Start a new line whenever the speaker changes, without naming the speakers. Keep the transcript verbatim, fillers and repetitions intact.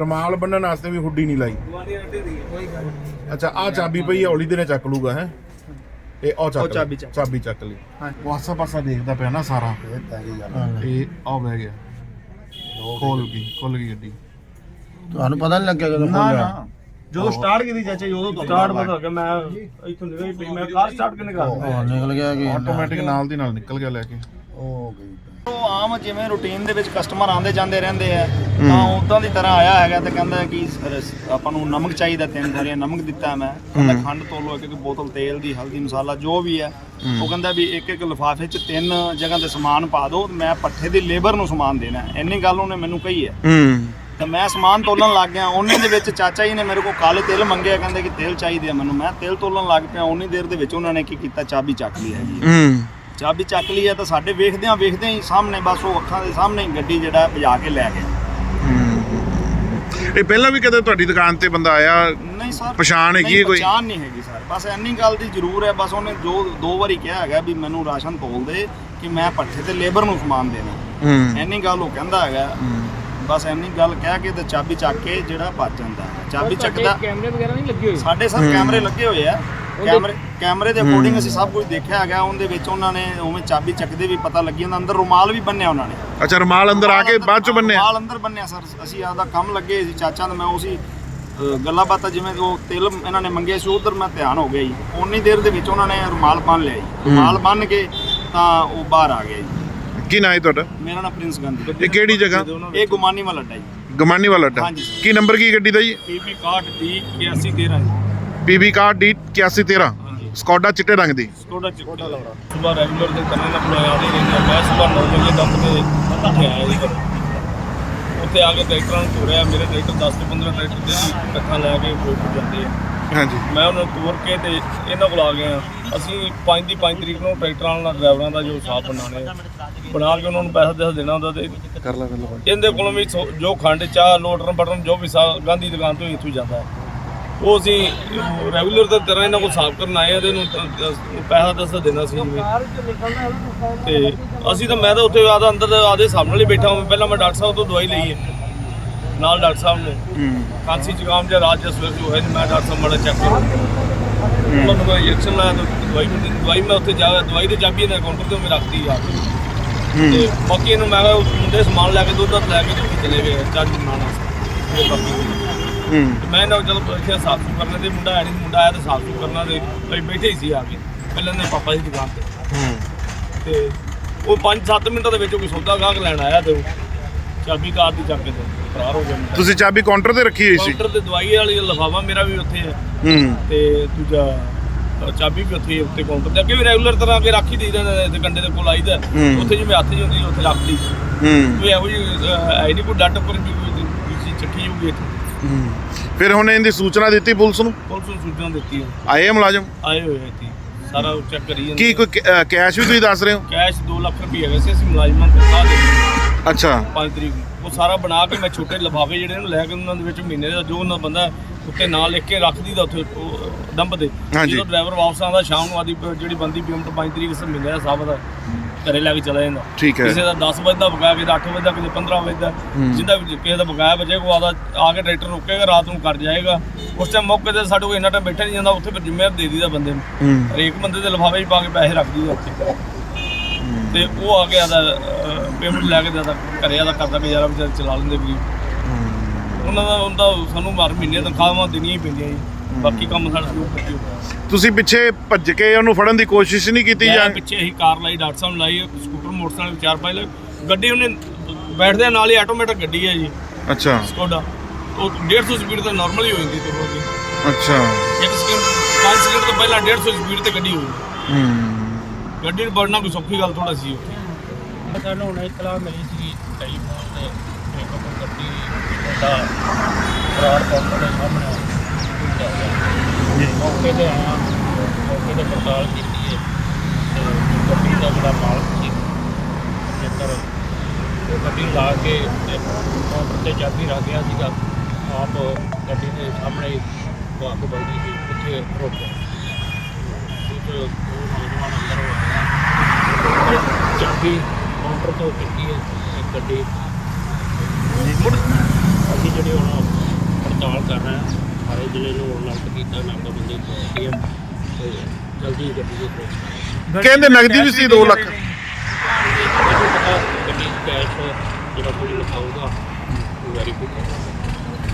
ਰਮਾਲ ਬੰਨਣ ਵਾਸਤੇ ਵੀ ਹੁੱਡੀ ਨਹੀਂ ਲਾਈ। ਅੱਛਾ ਆ ਚਾਬੀ ਪਈ ਹੌਲੀ ਦੇ ਨੇ ਚੱਕ ਲੂਗਾ ਹੈ ਇਹ ਉਹ ਚੱਕ ਚਾਬੀ ਚਾਬੀ ਚੱਕ ਲਈ। ਉਹ ਆਸਾ ਪਾਸਾ ਦੇਖਦਾ ਪਿਆ ਨਾ ਸਾਰਾ ਇਹ ਆ ਬਹਿ ਗਿਆ ਖੋਲ ਗਈ ਖੁੱਲ ਗਈ ਗੱਡੀ।
ਤੁਹਾਨੂੰ ਪਤਾ ਨਹੀਂ ਲੱਗਿਆ ਜਦੋਂ ਖੋਲਿਆ?
ਜਦੋਂ ਸਟਾਰਟ ਕੀਤੀ ਚਾਚਾ ਜੀ ਉਦੋਂ ਸਟਾਰਟ ਪਤਾ ਲੱਗਾ। ਮੈਂ ਇੱਥੋਂ ਨਿਕਲ ਪਈ ਮੈਂ ਕਾਰ ਸਟਾਰਟ ਕਿਨੇ ਕਰਦਾ
ਨਿਕਲ ਗਿਆ ਕਿ
ਆਟੋਮੈਟਿਕ ਨਾਲ ਦੀ ਨਾਲ ਨਿਕਲ ਗਿਆ ਲੈ ਕੇ।
ਉਹ ਗਈ
ਉਹ ਆਮ ਜਿਵੇਂ ਰੂਟੀਨ ਦੇ ਵਿੱਚ ਕਸਟਮਰ ਆਉਂਦੇ ਜਾਂਦੇ ਰਹਿੰਦੇ ਆ ਤਾਂ ਉਦਾਂ ਦੀ ਤਰ੍ਹਾਂ ਆਇਆ ਹੈਗਾ ਤੇ ਕਹਿੰਦਾ ਕਿ ਆਪਾਂ ਨੂੰ ਨਮਕ ਚਾਹੀਦਾ, ਤਿੰਨ ਥੈਲੀਆਂ ਨਮਕ ਦਿੱਤਾ ਮੈਂ। ਕਹਿੰਦਾ ਖੰਡ ਤੋਲੋ, ਇੱਕ ਇੱਕ ਬੋਤਲ ਤੇਲ ਦੀ, ਹਲਦੀ ਮਸਾਲਾ ਜੋ ਵੀ ਹੈ। ਉਹ ਕਹਿੰਦਾ ਵੀ ਇੱਕ ਇੱਕ ਲਿਫਾਫੇ 'ਚ ਤਿੰਨ ਜਗ੍ਹਾ ਤੇ ਸਮਾਨ ਪਾ ਦਿਓ, ਮੈਂ ਪੱਠੇ ਦੀ ਲੇਬਰ ਨੂੰ ਸਮਾਨ ਦੇਣਾ। ਇੰਨੀ ਗੱਲ ਉਹਨੇ ਮੈਨੂੰ ਕਹੀ ਹੈ। ਤੇ ਮੈਂ ਸਮਾਨ ਤੋਲਣ ਲੱਗ ਗਿਆ। ਉਹਨੇ ਦੇ ਵਿੱਚ ਚਾਚਾ ਜੀ ਨੇ ਮੇਰੇ ਕੋਲ ਕਾਲੇ ਤਿਲ ਮੰਗਿਆ, ਕਹਿੰਦੇ ਕਿ ਤੇਲ ਚਾਹੀਦੇ ਆ ਮੈਨੂੰ। ਮੈਂ ਤੇਲ ਤੋਲਣ ਲੱਗ ਪਿਆ। ਉਨੀ ਦੇਰ ਦੇ ਵਿੱਚ ਉਹਨਾਂ ਨੇ ਕੀ ਕੀਤਾ, ਚਾਬੀ ਚੱਕ ਲਈ ਹੈਗੀ। ਚਾਬੀ ਚੱਕ ਲਈ ਹੈ ਤਾਂ ਸਾਡੇ ਵੇਖਦਿਆਂ ਵੇਖਦਿਆਂ ਹੀ ਸਾਹਮਣੇ ਬਸ ਉਹ ਅੱਖਾਂ ਦੇ ਸਾਹਮਣੇ ਹੀ ਗੱਡੀ ਜਿਹੜਾ ਭਜਾ ਕੇ ਲੈ ਗਿਆ।
ਇਹ ਪਹਿਲਾਂ ਵੀ ਕਦੇ ਤੁਹਾਡੀ ਦੁਕਾਨ ਤੇ ਬੰਦਾ ਆਇਆ?
ਨਹੀਂ ਸਰ,
ਪਛਾਣ ਹੈਗੀ ਹੈ ਕੋਈ?
ਪਛਾਣ ਨਹੀਂ ਹੈਗੀ ਸਰ, ਬਸ ਇੰਨੀ ਗੱਲ ਦੀ ਜ਼ਰੂਰ ਹੈ। ਬਸ ਉਹਨੇ ਜੋ ਦੋ ਵਾਰੀ ਕਿਹਾ ਹੈਗਾ ਵੀ ਮੈਨੂੰ ਰਾਸ਼ਨ ਤੋਲ ਦੇ ਕਿ ਮੈਂ ਪੱਠੇ ਤੇ ਲੇਬਰ ਨੂੰ ਸਮਾਨ ਦੇਣਾ। ਇੰਨੀ ਗੱਲ ਉਹ ਕਹਿੰਦਾ ਹੈਗਾ। ਬਸ ਇੰਨੀ ਗੱਲ ਕਹਿ ਕੇ ਤੇ ਚਾਬੀ ਚੱਕ ਕੇ ਜਿਹੜਾ ਭੱਜ ਜਾਂਦਾ। ਚਾਬੀ ਚੱਕਦਾ।
ਕੈਮਰੇ ਵਗੈਰਾ ਨਹੀਂ ਲੱਗੇ ਹੋਏ
ਸਾਡੇ ਸਰ ਕੈਮਰੇ ਲੱਗੇ ਹੋਏ ਆ। ਕੈਮਰੇ ਕੈਮਰੇ ਦੇ ਅਕੋਰਡਿੰਗ ਅਸੀਂ ਸਭ ਕੁਝ ਦੇਖਿਆ ਹੈਗਾ। ਉਹਦੇ ਵਿੱਚ ਉਹਨਾਂ ਨੇ ਉਵੇਂ ਚਾਬੀ ਚੱਕਦੇ ਵੀ ਪਤਾ ਲੱਗੀ ਜਾਂਦਾ। ਅੰਦਰ ਰੁਮਾਲ ਵੀ ਬੰਨਿਆ ਉਹਨਾਂ ਨੇ।
ਅੱਛਾ ਰੁਮਾਲ ਅੰਦਰ ਆ ਕੇ ਬਾਅਦ ਚ ਬੰਨਿਆ?
ਰੁਮਾਲ ਅੰਦਰ ਬੰਨਿਆ ਸਰ। ਅਸੀਂ ਆਪਦਾ ਕੰਮ ਲੱਗੇ ਸੀ ਚਾਚਾ ਤੇ ਮੈਂ ਉਸੇ ਗੱਲਾਂ ਬਾਤਾਂ ਜਿਵੇਂ ਉਹ ਤਿਲ ਇਹਨਾਂ ਨੇ ਮੰਗੇ ਸੀ ਉਧਰ ਮੈਂ ਧਿਆਨ ਹੋ ਗਿਆ ਜੀ। ਉਨੀ ਦੇਰ ਦੇ ਵਿੱਚ ਉਹਨਾਂ ਨੇ ਰੁਮਾਲ ਬੰਨ ਲਿਆ ਜੀ। ਰੁਮਾਲ ਬੰਨ ਕੇ ਤਾਂ ਉਹ ਬਾਹਰ ਆ ਗਿਆ ਜੀ।
ਕੀ ਨਾਂ ਹੈ ਤੁਹਾਡਾ?
ਮੇਰਾ ਨਾਮ ਪ੍ਰਿੰਸ ਗਾਂਧੀ।
ਇਹ ਕਿਹੜੀ ਜਗ੍ਹਾ?
ਇਹ ਗੁਮਾਨੀ ਵਾਲਾ ਅੱਡਾ ਜੀ।
ਗਮਾਨੀ ਵਾਲਾ ਅੱਡਾ। ਕੀ ਨੰਬਰ ਕੀ ਗੱਡੀ ਦਾ ਜੀ?
ਪੀਬੀ ਇਕਾਹਠ ਡੀ ਇਕਿਆਸੀ ਤੇਰਾਂ
ਪੀਬੀ ਇਕਾਹਠ ਡੀ ਇਕਿਆਸੀ ਤੇਰਾਂ ਸਕੋਡਾ ਚਿੱਟੇ ਰੰਗ ਦੀ।
ਸਕੋਡਾ ਚਿੱਟਾ ਲਾਉਣਾ। ਸਵੇਰ ਰੈਗੂਲਰ ਦੇ ਕਰਨੇ ਨਾਲ ਬੁਲਾਇਆ ਦੇ ਰਹਿੰਦੇ। ਮੈਂ ਸਵੇਰ ਨੌ ਵਜੇ ਦਮ ਤੇ ਉੱਥੇ ਆਇਆ ਜੀ ਘਰੋਂ। ਉੱਥੇ ਆ ਕੇ ਟਰੈਕਟਰਾਂ ਨੂੰ ਤੋਰਿਆ। ਮੇਰੇ ਟਰੈਕਟਰ ਦਸ ਤੋਂ ਪੰਦਰਾਂ ਟਰੈਕਟਰ ਦੇ ਇਕੱਠਾ ਲੈ ਕੇ ਫੋਟੋ ਜਾਂਦੇ ਆ।
ਹਾਂਜੀ
ਮੈਂ ਉਹਨਾਂ ਨੂੰ ਤੋਰ ਕੇ ਤੇ ਇਹਨਾਂ ਕੋਲ ਆ ਗਏ। ਅਸੀਂ ਪੰਜ ਦੀ ਪੰਜ ਤਰੀਕ ਨੂੰ ਟਰੈਕਟਰਾਂ ਨਾਲ ਡਰਾਈਵਰਾਂ ਦਾ ਜੋ ਹਿਸਾਬ ਬਣਾਉਣੇ ਬਣਾ ਕੇ ਉਹਨਾਂ ਨੂੰ ਪੈਸਾ ਦੇਸ ਦੇਣਾ ਹੁੰਦਾ ਤੇ
ਕਰ ਲਾ ਗੱਲ।
ਇਹਦੇ ਕੋਲੋਂ ਵੀ ਜੋ ਖੰਡ ਚਾਹ ਲੋਟਰਨ ਬਟਰਨ ਜੋ ਵੀ ਸਾ ਗਾਂਧੀ ਦੁਕਾਨ ਤੋਂ ਇੱਥੋਂ ਜਾਂਦਾ ਹੈ ਉਹ ਅਸੀਂ ਰੈਗੂਲਰ ਦੀ ਤਰ੍ਹਾਂ ਇਹਨਾਂ ਕੋਲ ਹਿਸਾਬ ਕਰਨ ਆਏ ਆ ਤੇ ਇਹਨੂੰ ਪੈਸਾ ਦੱਸ ਦੇਣਾ ਸੀ ਜਿਵੇਂ। ਤੇ ਅਸੀਂ ਤਾਂ ਮੈਂ ਤਾਂ ਉੱਥੇ ਆਦਾ ਅੰਦਰ ਆਦੇ ਹਿਸਾਬ ਨਾਲ ਹੀ ਬੈਠਾ ਹਾਂ। ਪਹਿਲਾਂ ਮੈਂ ਡਾਕਟਰ ਸਾਹਿਬ ਤੋਂ ਦਵਾਈ ਲਈ ਹੈ ਨਾਲ ਡਾਕਟਰ ਸਾਹਿਬ ਨੇ ਖਾਂਸੀ ਜ਼ੁਕਾਮ ਜਾਂ ਰਾਤ ਜਾਂ ਸਵੇਰ ਜੋ ਹੈ ਮੈਂ ਡਾਕਟਰ ਸਾਹਿਬ ਮਾੜਾ ਚੈੱਕ ਕਰੋ। ਉਹਨਾਂ ਨੂੰ ਇੰਜੈਕਸ਼ਨ ਲਾਇਆ ਤਾਂ ਦਵਾਈ ਦਵਾਈ ਮੈਂ ਉੱਥੇ ਜਾ ਦਵਾਈ ਦੀ ਚਾਬੀ ਇਹਨਾਂ ਕਾਊਂਟਰ ਤੇ ਮੈਂ ਰੱਖਦੀ ਆ ਕੇ ਤੇ ਬਾਕੀ ਇਹਨੂੰ ਮੈਂ ਮੁੰਡੇ ਸਮਾਨ ਲੈ ਕੇ ਦੁੱਧ ਦੱਧ ਲੈ ਕੇ ਚਲੇ ਗਏ ਚਾਹ ਬਣਾਉਣਾ ਬਾਕੀ ਮੈਂ ਨਾ ਚਲੋ ਇੱਥੇ ਸਾਫ ਸੁਥਰਾ ਕਰਨਾ ਤੇ ਮੁੰਡਾ ਹੈ ਨਹੀਂ ਮੁੰਡਾ ਆਇਆ ਤਾਂ ਸਾਫ ਸੁਥਰਾ ਕਰਨਾ ਤੇ ਅਸੀਂ ਬੈਠੇ ਹੀ ਸੀ ਆ ਕੇ ਪਹਿਲਾਂ ਦੇ ਪਾਪਾ ਦੀ ਦੁਕਾਨ ਤੇ ਤੇ ਉਹ ਪੰਜ ਸੱਤ ਮਿੰਟਾਂ ਦੇ ਵਿੱਚ ਕੋਈ ਸੌਦਾ ਗਾਹਕ ਲੈਣ ਆਇਆ ਤੇ ਚਾਬੀ ਕਾਰ ਦੀ ਚੱਕ ਕੇ ਫਰਾਰ ਹੋ ਗਿਆ।
ਤੁਸੀਂ ਚਾਬੀ ਕਾਊਂਟਰ ਤੇ ਰੱਖੀ ਹੋਈ ਸੀ?
ਕਾਊਂਟਰ ਤੇ ਦਵਾਈ ਵਾਲੀ ਲਿਫਾਫਾ ਮੇਰਾ ਵੀ ਉੱਥੇ ਹੈ ਤੇ ਦੂਜਾ ਚਾਬੀ ਵੀ ਉੱਥੇ ਉੱਤੇ ਕਾਊਂਟਰ ਤੇ ਅੱਗੇ ਵੀ ਰੈਗੂਲਰ ਤਰ੍ਹਾਂ ਅੱਗੇ ਰੱਖ ਹੀ ਦੇਈਦਾ ਤੇ ਕੰਡੇ ਦੇ ਕੋਲ ਆਈਦਾ ਉੱਥੇ ਜਿਵੇਂ ਹੱਥ ਜੀ ਹੁੰਦੀ ਉੱਥੇ ਰੱਖ ਲਈ ਕੋਈ ਇਹੋ ਜਿਹੀ ਆਈ ਨਹੀਂ ਕੋਈ ਡੱਟ ਉੱਪਰ ਵੀ ਚੱਕੀ ਹੋਊਗੀ ਇੱਥੇ।
ਫਿਰ ਹੁਣ ਇਹਦੀ ਸੂਚਨਾ ਦਿੱਤੀ ਪੁਲਿਸ ਨੂੰ?
ਪੁਲਿਸ ਨੂੰ ਸੂਚਨਾ ਦਿੱਤੀ ਹੈ।
ਆਏ ਆ ਮੁਲਾਜ਼ਮ?
ਆਏ ਹੋਏ ਇੱਥੇ ਸਾਰਾ ਚੈੱਕ ਕਰੀ ਜਾਂਦੇ।
ਕੀ ਕੋਈ ਕੈਸ਼ ਵੀ ਤੁਸੀਂ ਦੱਸ ਰਹੇ ਹੋ?
ਕੈਸ਼ ਦੋ ਲੱਖ ਰੁਪਏ ਹੈਗੇ ਸੀ ਅਸੀਂ ਮੁਲਾਜ਼ਮਾਂ ਨੂੰ ਦਿਖਾ ਦੇ।
ਅੱਛਾ
ਪੰਜ ਤਰੀਕ ਨੂੰ ਉਹ ਸਾਰਾ ਬਣਾ ਕੇ ਮੈਂ ਛੋਟੇ ਲਿਫਾਫੇ ਜਿਹੜੇ ਨੂੰ ਲੈ ਕੇ ਉਹਨਾਂ ਦੇ ਵਿੱਚ ਮਹੀਨੇ ਦਾ ਜੋ ਉਹਨਾਂ ਬੰਦਾ ਉੱਤੇ ਨਾਂ ਲਿਖ ਕੇ ਰੱਖ ਦੀਦਾ ਉੱਥੇ ਡੰਪ ਦੇ। ਜਦੋਂ ਡਰਾਈਵਰ ਵਾਪਸ ਆਉਂਦਾ ਸ਼ਾਮ ਨੂੰ ਆਦੀ ਜਿਹੜੀ ਬੰਦੀ ਪੇਮੈਂਟ ਪੰਜ ਤਰੀਕ ਸੇ ਮਹੀਨੇ ਦਾ ਹਿਸਾਬ ਦਾ ਘਰੇ ਲੈ ਕੇ ਚਲਾ ਜਾਂਦਾ। ਕਿਸੇ ਦਾ ਦਸ ਵਜੇ ਦਾ ਬਕਾਇਆ, ਕਿਸੇ ਦਾ ਅੱਠ ਵਜੇ ਦਾ, ਕਿਸੇ ਪੰਦਰਾਂ ਵਜੇ ਦਾ, ਜਿੰਦਾ ਕਿਸੇ ਦਾ ਬਕਾਇਆ ਬਚੇ ਕੋ ਆਦਾ ਆ ਕੇ ਟਰੈਕਟਰ ਰੋਕੇਗਾ ਰਾਤ ਨੂੰ ਕਰ ਜਾਏਗਾ। ਉਸ ਟਾਈਮ ਮੌਕੇ ਤੇ ਸਾਡੇ ਕੋਲ ਇੰਨਾ ਟਾਈਮ ਬੈਠਾ ਨਹੀਂ ਜਾਂਦਾ ਉੱਥੇ ਫਿਰ ਜ਼ਿੰਮੇਵਾਰ ਦੇ ਦੀਦਾ ਬੰਦੇ ਨੂੰ। ਹਰੇਕ ਬੰਦੇ ਦੇ ਲਿਫਾਫੇ 'ਚ ਪਾ ਕੇ ਪੈਸੇ ਰੱਖ ਦੀਦਾ ਉੱਥੇ ਤੇ ਉਹ ਆ ਕੇ ਆਦਾ ਪੇਮੈਂਟ ਲੈ ਕੇ ਦਿੰਦਾ ਘਰੇ ਆਦਾ ਕਰਦਾ ਗੁਜ਼ਾਰਾ ਵਿਚਾਰੇ ਚਲਾ ਲੈਂਦੇ ਵੀ ਉਹਨਾਂ ਦਾ ਉਹਦਾ ਸਾਨੂੰ ਹਰ ਮਹੀਨੇ ਤਨਖਾਹਾਂ ਦੇਣੀਆਂ ਹੀ ਪੈਂਦੀਆਂ ਜੀ। ਬਾਕੀ ਕੰਮ ਸਾਡਾ ਸ਼ੁਰੂ ਕਰਦੇ ਹੋ।
ਤੁਸੀਂ ਪਿੱਛੇ ਭੱਜ ਕੇ ਉਹਨੂੰ ਫੜਨ ਦੀ ਕੋਸ਼ਿਸ਼ ਨਹੀਂ ਕੀਤੀ? ਜਾਂ
ਪਿੱਛੇ ਅਸੀਂ ਕਾਰ ਲਾਈ, ਡਾਕਟਰ ਸਾਹਿਬ ਲਾਈ, ਸਕੂਟਰ ਮੋਟਰਸਾਈਕਲ ਚਾਰ ਪੰਜ ਲਏ ਗੱਡੀ ਉਹਨੇ ਬੈਠਦੇ ਨਾਲ ਹੀ ਆਟੋਮੈਟਿਕ ਗੱਡੀ ਹੈ ਜੀ। ਅੱਛਾ ਸਕੋਡਾ ਉਹ ਡੇਢ ਸੌ ਸਪੀਡ ਤਾਂ ਨਾਰਮਲ ਹੀ ਹੋ ਜਾਂਦੀ ਤੇ ਹੋਗੀ। ਅੱਛਾ ਇੱਕ ਸਕਿੰਟ ਪੰਜ ਸਕਿੰਟ ਤੋਂ ਪਹਿਲਾਂ ਡੇਢ ਸੌ ਸਪੀਡ ਤੇ ਗੱਡੀ ਹੋਈ। ਗੱਡੀ ਨੂੰ ਵੜਨਾ ਕੋਈ ਸੌਖੀ ਗੱਲ ਥੋੜਾ ਸੀ ਉੱਥੇ।
ਸਾਨੂੰ ਹੁਣ ਇਤਲਾਹ ਮਿਲੀ ਸੀ ਟੈਲੀਫੋਨ ਤੇ ਇੱਕ ਗੱਡੀ ਦਾ ਫਰਾਡ ਕਾਊਂਟਰ ਦੇ ਸਾਹਮਣੇ ਮੌਕੇ ਤੇ ਆਇਆ, ਮੌਕੇ ਤੇ ਪੜਤਾਲ ਕੀਤੀ ਹੈ ਤੇ ਗੱਡੀ ਦਾ ਜਿਹੜਾ ਮਾਲਕ ਸੀ ਜੇਕਰ ਉਹ ਗੱਡੀ ਲਾ ਕੇ ਕਾਊਂਟਰ ਤੇ ਚਾਬੀ ਰੱਖ ਗਿਆ ਸੀਗਾ ਆਪ ਗੱਡੀ ਦੇ ਸਾਹਮਣੇ ਅੱਗ ਬਲਦੀ ਸੀ ਉੱਥੇ ਰੁਕ ਗਿਆ। ਦੋ ਨੌਜਵਾਨ ਅੰਦਰ ਹੋਇਆ ਚਾਬੀ ਕਾਊਂਟਰ ਤੋਂ ਕੀਤੀ ਹੈ ਗੱਡੀ ਅਸੀਂ ਜਿਹੜੇ ਹੁਣ ਕਰ ਰਹੇ ਹਾਂ, ਸਾਰੇ ਜ਼ਿਲ੍ਹੇ ਨੂੰ ਅਲਰਟ ਕੀਤਾ, ਨਾਕਾਬੰਦੀ ਕੀਤੀ ਹੈ ਤੇ ਜਲਦੀ ਗੱਡੀ ਦੇ ਕੋਲ
ਕਹਿੰਦੇ ਨਗਦੀ ਵੀ ਸੀ ਦੋ ਲੱਖ।
ਗੱਡੀ 'ਚ ਕੈਸ਼ ਜਿਹੜਾ ਕੋਈ ਲਿਖਾਊਗਾ ਵੈਰੀਫਾਈ